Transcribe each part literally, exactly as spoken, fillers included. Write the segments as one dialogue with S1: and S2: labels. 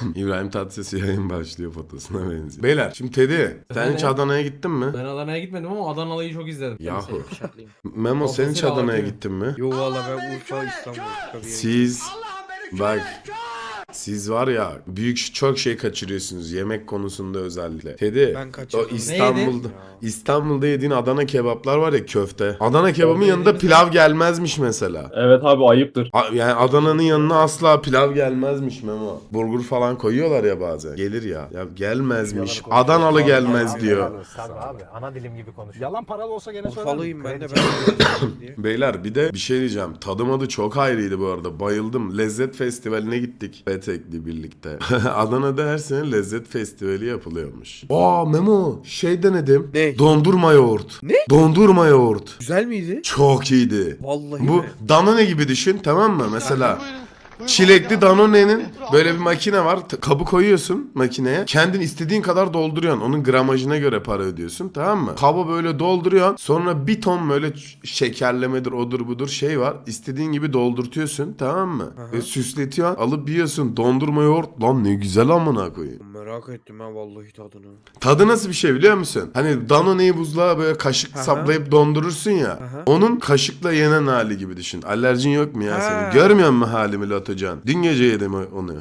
S1: İbrahim Tatlıses yayın başlıyor fotosuna benziyor. Beyler şimdi Teddy sen hiç Adana'ya gittin mi?
S2: Ben Adana'ya gitmedim ama Adanalı'yı çok izledim.
S1: Yahu.
S3: Şartlıyım.
S1: Memo sen hiç
S2: Kafasıyla
S1: Adana'ya
S2: atıyor.
S1: gittin mi?
S3: Yo valla ben Urfa İstanbul. Tabii.
S1: Siz bak siz var ya büyük çok şey kaçırıyorsunuz yemek konusunda özellikle. Teddy
S3: Ben
S1: o
S3: kaçırdım.
S1: İstanbul'da
S3: Neydi?
S1: İstanbul'da yediğin Adana kebaplar var ya köfte. Adana kebabın yanında pilav gelmezmiş mesela.
S4: Evet abi ayıptır.
S1: A- Yani Adana'nın yanına asla pilav gelmezmiş Memo. Burgur falan koyuyorlar ya bazen. Gelir ya. Ya gelmezmiş. Adanalı gelmez diyor.
S5: Sen abi ana dilim gibi konuş.
S6: Yalan paralı olsa gene söylerim.
S3: Urfalıyım ben de ben diye.
S1: Beyler bir de bir şey diyeceğim. Tadım adı çok ayrıydı bu arada. Bayıldım. Lezzet Festivali'ne gittik. Petek'le birlikte. Adana'da her sene Lezzet Festivali yapılıyormuş. Aa Memo şey denedim.
S3: Ne?
S1: Dondurma yoğurt.
S3: Ne?
S1: Dondurma yoğurt.
S3: Güzel miydi?
S1: Çok iyiydi.
S3: Vallahi
S1: Bu
S3: mi?
S1: Danone gibi düşün tamam mı? Mesela çilekli Danone'nin böyle bir makine var. T- Kabı koyuyorsun makineye. Kendin istediğin kadar dolduruyorsun. Onun gramajına göre para ödüyorsun tamam mı? Kabı böyle dolduruyorsun. Sonra bir ton böyle ç- şekerlemedir odur budur şey var. İstediğin gibi doldurtuyorsun tamam mı? Ve süsletiyorsun. Alıp yiyorsun. Dondurma yoğurt. Lan ne güzel amına koyayım.
S3: Merak ettim ha vallahi tadını.
S1: Tadı nasıl bir şey biliyor musun? Hani Danone'yi buzluğa böyle kaşık
S3: Aha.
S1: saplayıp dondurursun ya.
S3: Aha.
S1: Onun kaşıkla yenen hali gibi düşün. Alerjin yok mu ya
S3: Ha.
S1: senin? Görmüyor musun halimi Latocan? Dün gece yedim onu.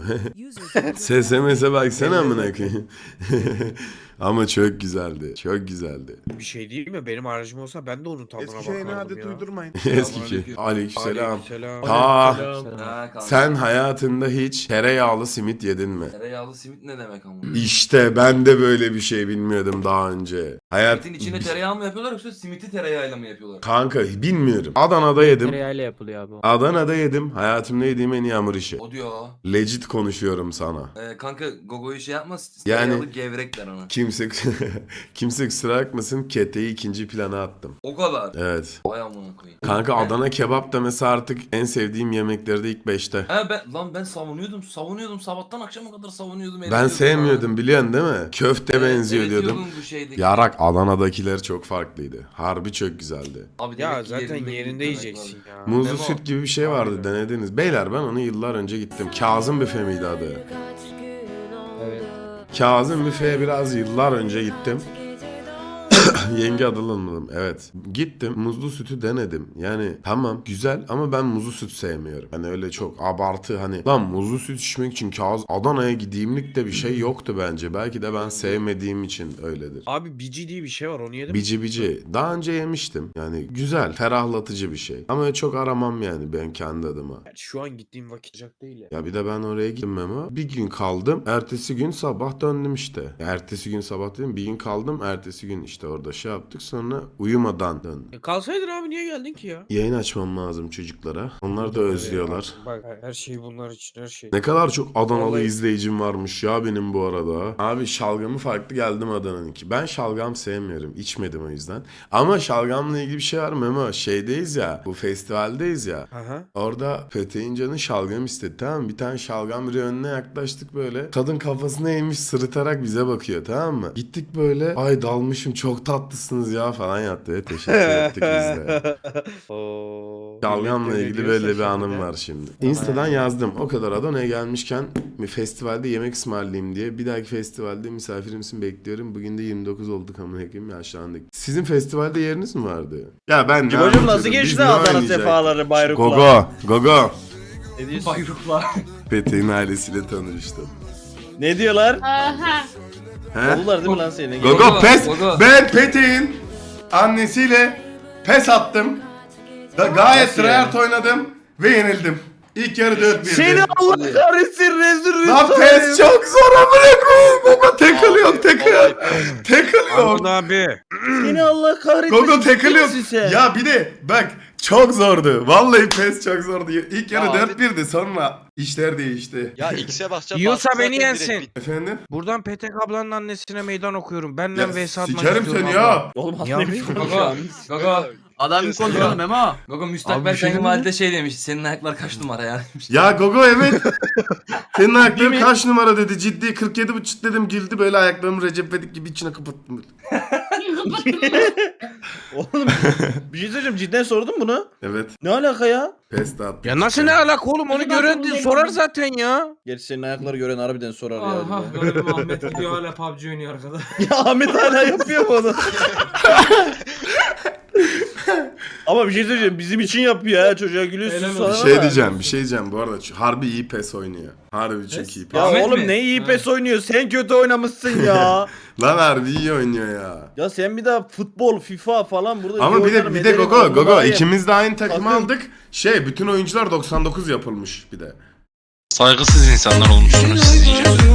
S1: S M S'e baksana amına koyayım. Ama çok güzeldi. Çok güzeldi.
S3: Bir şey değil mi? Benim aracım olsa ben de onun tadına
S5: Eskişehir'in
S3: bakardım
S5: adet
S3: ya.
S5: uydurmayın.
S1: Eski. Aleykümselam.
S3: Aleykümselam.
S1: Ha,
S2: Selam.
S7: Ha, kanka.
S1: sen hayatında hiç tereyağlı simit yedin mi?
S7: Tereyağlı simit ne demek ama?
S1: İşte ben de böyle bir şey bilmiyordum daha önce. Hayat
S7: Simitin içine tereyağı mı yapıyorlar yoksa simiti tereyağıyla mı yapıyorlar?
S1: Kanka bilmiyorum. Adana'da yedim.
S8: Tereyağıyla yapılıyor abi.
S1: Adana'da yedim. Hayatımda yediğim en iyi hamur işi.
S7: O diyor.
S1: Legit konuşuyorum sana.
S7: Ee, kanka Gogo'yu şey yapma.
S1: Yani-
S7: Tereyağlı gevrek der ona.
S1: Kimse kimse kusura bakmasın keteyi ikinci plana attım.
S7: O kadar.
S1: Evet.
S7: Vay amına koyayım.
S1: Kanka Adana kebap da mesela artık en sevdiğim yemeklerde ilk beşte.
S7: He ben lan ben savunuyordum, savunuyordum sabahtan akşama kadar savunuyordum.
S1: Ben
S7: ediyordum
S1: sevmiyordum biliyorsun değil mi? Köfte
S7: ha.
S1: benziyor
S7: evet,
S1: diyordum.
S7: diyordun bu şeydeki.
S1: Yarak Adana'dakiler çok farklıydı. Harbi çok güzeldi.
S7: Abi
S3: Ya
S7: demek ki
S3: zaten
S7: yerinde
S3: yerinde
S7: demek
S3: yiyeceksin
S7: var.
S3: ya.
S1: Muzlu
S7: Memo.
S1: süt gibi bir şey vardı denediniz. Beyler ben onu yıllar önce gittim. Kazım Büfe miydi adı?
S8: Evet.
S1: Kazım Büfe'ye biraz yıllar önce gittim. Yenge adılamadım. Evet. Gittim. Muzlu sütü denedim. Yani tamam güzel ama ben muzlu süt sevmiyorum. Hani öyle çok abartı hani. Lan muzlu süt içmek için Kaz Adana'ya gideyimlik de bir şey yoktu bence. Belki de ben sevmediğim için öyledir.
S3: Abi bici diye bir şey var onu yedim.
S1: Bici bici. Daha önce yemiştim. Yani güzel. Ferahlatıcı bir şey. Ama çok aramam yani ben kendi adıma.
S3: Şu an gittiğim vakit sıcak değil ya.
S1: Ya bir de ben oraya gittim ama bir gün kaldım. Ertesi gün sabah döndüm işte. Ertesi gün sabah dedim bir gün kaldım. Ertesi gün işte orada şey yaptık sonra uyumadan döndüm.
S3: E kalsaydın abi niye geldin ki ya?
S1: Yayın açmam lazım çocuklara. Onlar da özlüyorlar.
S3: Bak her şey bunlar için her şey.
S1: Ne kadar çok Adanalı
S3: Vallahi-
S1: izleyicim varmış ya benim bu arada. Abi şalgamı farklı geldim Adana'nınki. Ben şalgam sevmiyorum. İçmedim o yüzden. Ama şalgamla ilgili bir şey var Memo. Şeydeyiz ya. Bu festivaldeyiz ya.
S3: Aha.
S1: Orada Peteğin canı şalgam istedi tamam mı? Bir tane şalgam biri önüne yaklaştık böyle. Kadın kafasına eğmiş sırıtarak bize bakıyor tamam mı? Gittik böyle ay dalmışım çok tatlısınız ya falan yaptı. Teşekkür ettik biz de.
S3: Oo.
S1: Şalgamla ilgili böyle bir anım var şimdi. Insta'dan yazdım. O kadar Adana'ya gelmişken bir festivalde yemek ısmarlayayım diye. Bir dahaki festivalde misafirimsin bekliyorum. Bugün de yirmi dokuz olduk amına koyayım yaşlandık. Sizin festivalde yeriniz mi vardı? Ya ben ne
S9: Cibacım nasıl
S1: anlatıyordum? Biz
S9: geçti
S1: ne
S9: Adana
S1: oynayacaktık?
S9: sefaları Bayruk'la?
S1: Gogo, Gogo.
S9: Ne diyorsun?
S7: Bayruklar.
S1: Peteğin ailesiyle tanıştım.
S9: Ne diyorlar?
S10: Aha.
S1: He?
S9: Oldular değil mi lan senin?
S1: Gogo
S7: Gogo,
S1: pes.
S7: Gogo.
S1: Ben Peteğin annesiyle pes attım. Da gayet
S9: Nasıl
S1: tryhard oynadım ve yenildim. İlk yarı dört bir.
S9: Seni Allah kahretsin rezil
S1: Lan pes çok zor amına koyayım. Gogo tackle yok tackle. Tackle yok.
S3: Aman abi.
S9: Seni Allah kahretsin.
S1: Gogo tackle yok.
S9: Kimsin sen?
S1: Ya bir de bak çok zordu. Vallahi pes çok zordu. İlk yarı
S6: Ya
S1: dört birdi sonra işler değişti.
S6: Ya X'e basacağım.
S3: Yiyorsa
S6: bastı
S3: beni
S6: zaten
S3: yensin.
S6: direkt bitti.
S1: Efendim?
S3: Buradan Petek ablanın annesine meydan okuyorum. Benden
S1: Ya
S3: vs atmak
S1: sikerim
S3: istiyorum
S1: seni
S3: abla.
S1: ya.
S9: Oğlum
S3: Ya
S9: anlaymış
S3: bir-
S9: konuşuyor.
S7: Gogo. Gogo.
S6: Adam bir konuşalım
S7: Memo. Gogo
S3: Abi
S7: müstakbel
S3: bir şey
S7: kayınvalide şey demiş. Senin ayaklar kaç numara ya demiş.
S1: Ya Gogo evet. Senin ayakların kaç numara dedi. Ciddi kırk yedi buçuk dedim güldü böyle ayaklarımı Recep İvedik gibi içine kapattım. Böyle.
S9: Oğlum bir şey söyleyeceğim, cidden sordun bunu.
S1: Evet.
S9: Ne alaka ya?
S1: Pes de attım.
S3: Ya nasıl ne alaka oğlum, onu
S8: Hadi
S3: gören
S8: bakalım,
S3: sorar
S8: bekleyin.
S3: zaten ya.
S9: Gerçi senin ayakları gören harbiden sorar ya.
S2: Aha
S9: bir de.
S2: garibi Ahmet gidiyor hala P U B G oynuyor arkada.
S9: Ya Ahmet hala yapıyor mu onu? Ama bir şey söyleyeceğim, bizim için yapıyor ya, çocuğa gülüyorsun
S2: Helal
S9: sonra
S1: Bir
S2: olsun.
S1: şey
S9: ama.
S1: diyeceğim, bir şey diyeceğim. Bu arada ç- harbi iyi pes oynuyor. Harbi çok iyi pes.
S9: Ya
S2: Ahmet
S9: oğlum
S2: mi?
S9: ne iyi
S2: Ha.
S9: pes oynuyor, sen kötü oynamışsın ya.
S1: Lan harbi iyi oynuyor ya.
S9: Ya sen bir daha futbol, FIFA falan burada
S1: Ama
S9: iyi
S1: bir de
S9: oynarım,
S1: bir de
S9: ederim,
S1: Gogo
S9: onunla
S1: Gogo
S9: daha iyi.
S1: ikimiz de aynı takımı
S9: Bakın.
S1: aldık. Şey bütün oyuncular doksan dokuz yapılmış bir de.
S4: Saygısız insanlar olmuşsunuz siz iyice.